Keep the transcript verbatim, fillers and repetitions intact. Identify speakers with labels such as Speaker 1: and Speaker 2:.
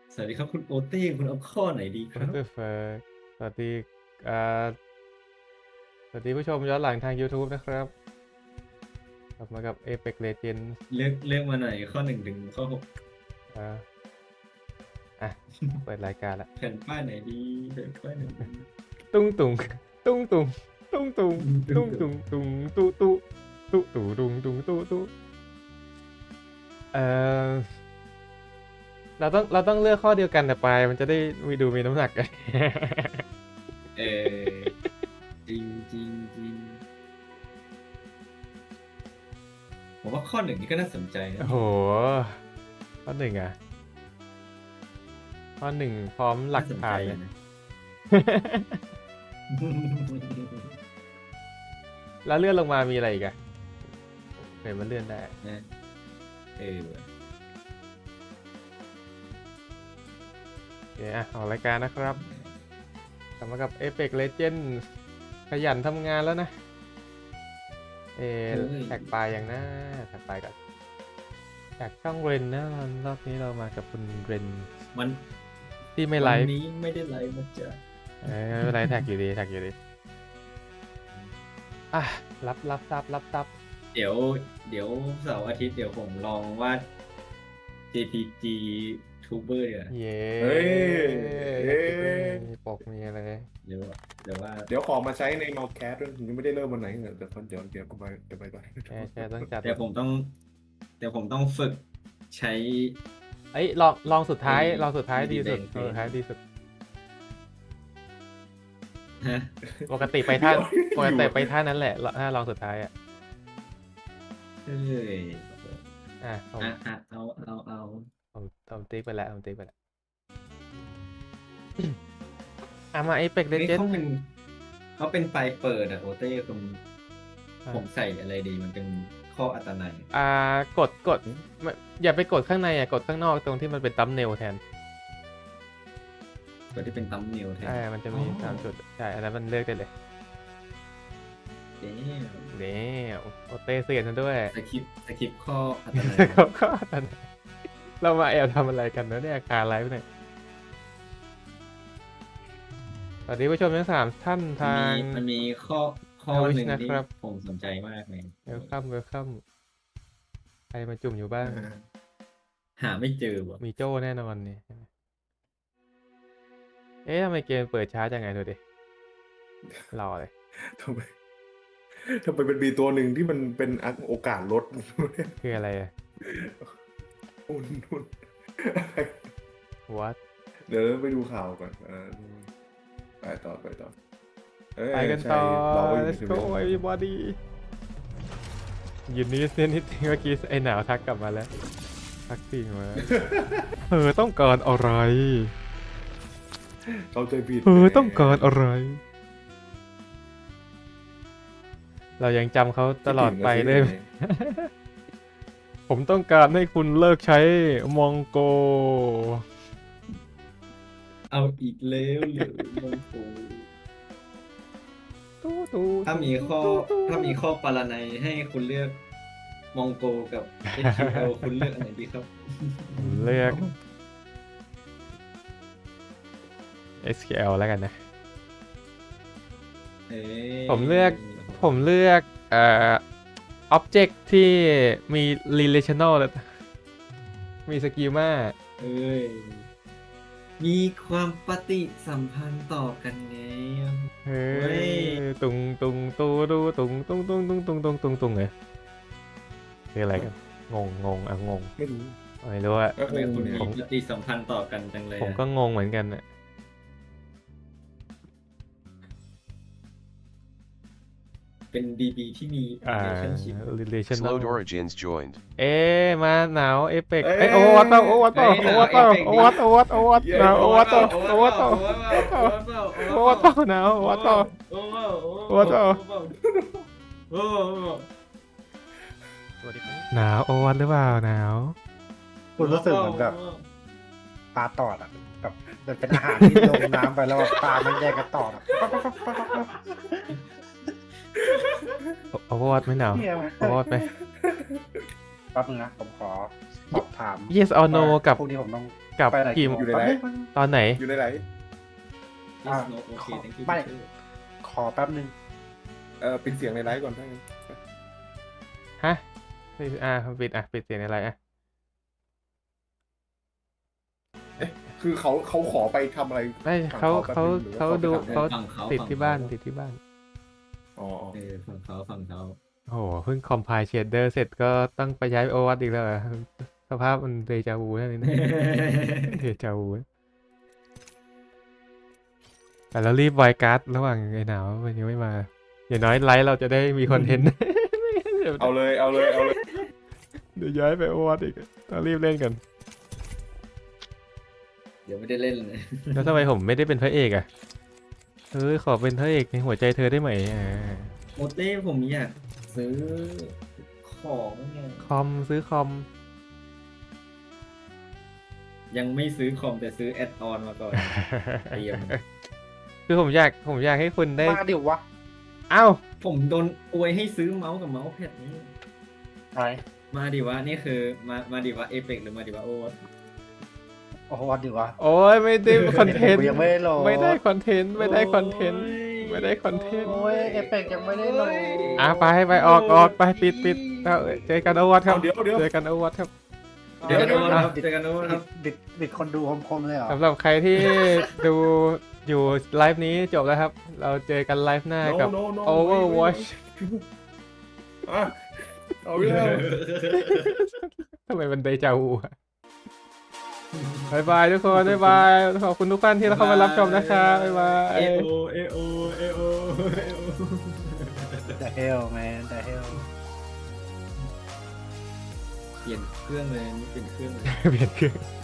Speaker 1: สวัสดีครับคุณโอเต้คุณเอาข้อไหนดีค
Speaker 2: What
Speaker 1: รับ
Speaker 2: the fuck สวัสดีอ่าสวัสดีผู้ชมย้อนหลังทาง YouTube นะครับกลับมากับ Apex Legends
Speaker 1: เลือกเลือกมาหน่อยข้อหนึ่งถึงข้อหก
Speaker 2: อ่าอ่ะ เปิดรายการละ
Speaker 1: แผ่นป้ายไหนดีแผ่นป้ายไหนดี
Speaker 2: ตุ้งตุงตุ้งตุงตุ้งตุงตุ้งตุงตุงตุตุตุตุตุงตุงตุตุเอ่อเราต้องเราต้องเลือกข้อเดียวกันแต่ปลายมันจะได้มีดูมีน้ำหนัก
Speaker 1: เออจริงจริงจริงผมว่าข้อหนึ่งนี่ก็น่าสนใจนะ
Speaker 2: โอ้โหข้อหนึ่งอ่ะข้อหนึ่งพร้อมหลักฐานเลย
Speaker 1: นะ
Speaker 2: แล้วเลื่อนลงมามีอะไรอีกอะเห็นมันเลื่อนได้
Speaker 1: นะเออว่ะ
Speaker 2: โอเคอ่ะออกรายการนะครับกลับมากับ Apex Legends ขยันทำงานแล้วนะ เอแท็กปลายอย่างนะแท็กปลายก่อนจากช่องเรนนะรอบนี้เรามากับคุณเรน
Speaker 1: วัน
Speaker 2: ที่ไม่ไล
Speaker 1: วัน
Speaker 2: ฟ์
Speaker 1: นี้ไม่ได้ไลฟ์นะจ๊ะ
Speaker 2: เออไม่เป็นไรแท็กอยู่ดีแท็กอยู่ดีอ่ะรับรับทรัพย์รับทรัพย์
Speaker 1: เดี๋ยวเดี๋ยวเสาร์อาทิตย์เดี๋ยวผมลองวาด เจ พี จี Tuber เดี๋ยว
Speaker 2: เย้
Speaker 3: เฮ้ย
Speaker 2: อยากจะได้มีปกมีอะไร
Speaker 1: เดี๋ยวเดี๋ยวว่า
Speaker 3: เดี๋ยวขอมาใช้ใน Notepad ด้วยยังไม่ได้เริ่มวันไหนเดี๋ยวเดี๋ยวเดี๋ยวก็ไปเดี๋ยวไปไป
Speaker 2: แชร์แชร์ต้องจัด
Speaker 1: เดี๋ยวผมต้องเดี๋ยวผมต้องฝึกใช้
Speaker 2: เอ้ยลองลองสุดท้าย
Speaker 1: ไอ้
Speaker 2: ลองสุดท้าย
Speaker 1: ดี
Speaker 2: ดีสุด
Speaker 1: แดง
Speaker 2: ลองสุดท้ายดีสุด
Speaker 1: ฮะ
Speaker 2: ปกติไปท่าปกติไปท่านั้นแหละถ้าลองสุดท้ายอ่ะ
Speaker 1: เอ้ย
Speaker 2: อ่ะผม
Speaker 1: อ่ะอ่ะเอาเอาเอา
Speaker 2: ผมผมติ๊กไปแล้วผมติ๊กไปแล้ว อ่ะมา Apex
Speaker 1: นี่
Speaker 2: Legends
Speaker 1: เขาเป็นเขาเป็นปลายเปิดอะโอเต้คุณ
Speaker 2: อ่ะ
Speaker 1: ผมใส่อะไรดีมันเป็นข้ออัตนัย
Speaker 2: อ่ากดกดไม่อย่าไปกดข้างในอ่ะกดข้างนอกตรงที่มันเป็นตัมเนลแทน
Speaker 1: ตัวที่เป็นตัมเนลแทน
Speaker 2: ใช่มันจะมี
Speaker 1: อ๋อ
Speaker 2: สามจุดใช่อันนั้นมันเลือกได้เลย
Speaker 1: เอ๊ะ
Speaker 2: เด้โอเต้เสียนซะด้วย
Speaker 1: สคริปต์สคริปต์ข้ออัตนัย
Speaker 2: เขาก็อันนั้นเรามาแอบทำอะไรกันเนอะเนี่ยคาไลฟ์เนี่ยสวัสดีผู้ชมทั้งสามท่าน
Speaker 1: มัน
Speaker 2: ทาง
Speaker 1: มีมันมีข้อข้อ
Speaker 2: Twitch
Speaker 1: หนึ่งที่
Speaker 2: นะครับ
Speaker 1: ผมสนใจมากเลย
Speaker 2: เวลคัมเวลคัมใครมาจุ่มอยู่บ้าง
Speaker 1: หาไม่เจอว่ะ
Speaker 2: มีโจ้แน่นอนเนี่ยเอ๊ะทำไมเกมเปิดช้าจังไงดูดิรอเลย
Speaker 3: ทำไมทำไมเป็นมีตัวหนึ่งที่มันเป็นโอกาสลด
Speaker 2: คืออะไรอะ
Speaker 3: อุ่นอุ่น
Speaker 2: what
Speaker 3: เดี๋ยวไปดูข่าวก่อนเออไปต่อไปต่อเอ้ย
Speaker 2: ไปกันต่อ
Speaker 3: ใช่เราอยู่
Speaker 2: let's
Speaker 3: ใน
Speaker 2: go everybody ยินนี้เส้นนิดนึงเมื่อกี้ไอ้หนาวทักกลับมาแล้วทักสิ่งมา เธอต้องการอะไร
Speaker 3: เขาใจผิด
Speaker 2: เธอต้องการอะไร เรายังจำเขาตลอดไปเลย ผมต้องการให้คุณเลิกใช้มองโก
Speaker 1: เอาอีกแล้วหรือมงโก
Speaker 2: ตู้ตู้
Speaker 1: ถ้ามีข้อถ้ามีข้อปารนัยให้คุณเลือกมองโกกับ เอช คิว แอล คุณเลือกอันไหนดีครับ
Speaker 2: ผมเลือก เอส คิว แอล แล้วกันนะ
Speaker 1: เอ้ย
Speaker 2: ผมเลือก ผมเลือกเอ่อ object ที่มี relational แล้วมีสกิลมา
Speaker 1: เอ้ยมีความปฏิสัมพันธ์ต่อกันไง
Speaker 2: เฮ้
Speaker 1: เฮ้
Speaker 2: ย
Speaker 1: ย
Speaker 2: ตุงตุงตูดูตุงตุงตุงตุงตุงตุงตุงตุงเลยคืออะไรกันงงงงอ่ะงง
Speaker 3: ไม่รู้
Speaker 2: ไม่รู้อะ
Speaker 3: ก็
Speaker 1: ทำไมคุณ
Speaker 3: เนี่ย
Speaker 1: มีปฏิสัมพันธ์ต่อกันจังเลย
Speaker 2: ผม
Speaker 1: อะ
Speaker 2: ก็งงเหมือนกันอะ
Speaker 1: เป็น ดี บี ที่มี
Speaker 2: อ่า
Speaker 1: relationship
Speaker 2: relational
Speaker 4: Slowed Origins joined.
Speaker 2: เอ๊ะมาหนาวเอเปก
Speaker 3: เอ้ย
Speaker 2: เอ้ยโอวัตโตโอวัตโต
Speaker 1: เอ้
Speaker 2: โอย วัตโต
Speaker 1: หนาว
Speaker 2: โอวัตโตโอวัตโอวัต
Speaker 3: เย้
Speaker 2: หนาวโอวัตโตโอวัตโต
Speaker 1: โอวัตโต
Speaker 2: โอวัตโตหนาวโอวัตโต
Speaker 1: โอวัตโต
Speaker 2: โอวัตโต
Speaker 1: โอ้โห
Speaker 2: หนาวโอวัตหรือเปล่าหนาว
Speaker 5: คุณรู้สึกเหมือนแบบปลาตอดอ่ะแบบมันเป็นอาหารที่ลงน้ำไปแล้วแบบปลามันแยกกันตอดอ่ะ
Speaker 2: โอวัตไม่หนาว
Speaker 5: เหี้ย
Speaker 2: โอวัตไป
Speaker 5: แป๊บนึงนะผมขอสอบถาม
Speaker 2: yes or no กับ
Speaker 5: พวกนี้ผมต้อง
Speaker 2: กลับ
Speaker 5: ไปไหน
Speaker 2: กี่
Speaker 5: โมง
Speaker 3: อยู่ในไหน
Speaker 5: แป๊บนึง
Speaker 2: ตอนไหน
Speaker 3: อยู่ในไหน
Speaker 5: อ่ะ
Speaker 1: โอเค thank you
Speaker 5: ไม่
Speaker 1: teacher
Speaker 5: ขอแป๊บนึง
Speaker 3: เออปิดเสียงในไลฟ์ก่อนถ้างั้น
Speaker 2: ฮะอ่าปิดอ่ะปิดเสียงอะไรอ่ะ
Speaker 3: คือเขาเขาขอไปทำอะไร
Speaker 2: ไม่
Speaker 3: ฝั่ง
Speaker 2: เขา
Speaker 3: แป๊บ
Speaker 2: เขา
Speaker 3: นึงหรือ
Speaker 2: เขา
Speaker 3: ว่
Speaker 2: ดู
Speaker 3: ไปทำ
Speaker 2: เขา
Speaker 1: ฝั่งเขา
Speaker 2: ติด
Speaker 1: ฝั่ง
Speaker 2: ที่บ้าน
Speaker 1: เขา
Speaker 2: ติดที่บ้าน
Speaker 3: อ๋อ
Speaker 1: เออฝั่งเขาฝั่งเขา
Speaker 2: โอ้โหเพิ่งคอมไพล์เชดเดอร์เสร็จก็ต้องไปย้ายไปโอวัตอีกแล้วเหรอสภาพมันเดจาวูนั่นเองนะ เดจาวูแต่เรารีบไวการ์ดระหว่างไอ้หนาวมันยังไม่มาอย่างน้อยไลฟ์เราจะได้มีคอนเทนต์ เดี๋ยว
Speaker 3: เอาเลยเอาเลยเอาเลย
Speaker 2: เดี๋ยวย้ายไปโอวัตอีกต้องรีบเล่นกัน
Speaker 1: เดี๋ยวไม่ได้เล่นเลย
Speaker 2: แล้วทำไมผมไม่ได้เป็นพระเอกอ่ะเฮ้ยขอเป็นพระเอกในหัวใจเธอได้ไหมอ่า
Speaker 1: โมเต้ผมอยากซื้อของเนี่ย
Speaker 2: คอมซื้อคอม
Speaker 1: ยังไม่ซื้อคอมแต่ซื้อแอดออนมาก่อนเตรียม
Speaker 2: คือผมอยากผมอยากให้คุณได้
Speaker 5: มาดิวะ
Speaker 2: เอ้า
Speaker 1: ผมโดนอวยให้ซื้อเมาส์กับเมาส์แพดนี้
Speaker 5: ไหน
Speaker 1: มาดิวะนี่คือมามาดิวะเอเปกหรือมาดิวะโอวะ
Speaker 5: โอ้โหวันดิวะ
Speaker 2: โอ้ยไม่ได้คอนเทนต์
Speaker 5: กูยังไม่ได้โหลด
Speaker 2: ไม่ได้คอนเทนต์ไม่ได้คอนเทนต์ไม่ได้คอนเทนต์
Speaker 5: โอ้ยเอเปกยังไม่ได้โหลด
Speaker 2: อ่ะไปไปออกออกไปปิดปิดเอาเจอกันโอวัตครับ
Speaker 3: เอาเดี๋ยวเดี๋ยว
Speaker 2: เจอกันโอวัตครับ
Speaker 1: เดี๋ยวกันโอวะ
Speaker 2: อ่ะ
Speaker 1: ครับเจอกันโอวะครับ
Speaker 5: ดิดดิดคนดูคมๆเลยเหรอ
Speaker 2: สำหรับใครที่ดูอยู่ไลฟ์นี้จบแล้วครับ เราเจอกันไลฟ์หน้ากับ
Speaker 3: No, no, no,
Speaker 2: Overwatch
Speaker 3: อ่ะเอาเรื่อง
Speaker 2: ทำไมมันเดจาวูอะบายบายทุกคนบายบายขอบคุณทุกท่านที่เข้ามารับชมนะครับบายบาย
Speaker 1: เอโอเอโอเอโอเอโอ
Speaker 5: The hell man The hell
Speaker 1: เปลี่ยนเครื่องเลยนี่เปลี่ยนเครื่องเลย
Speaker 2: เปลี่ยนเครื่อง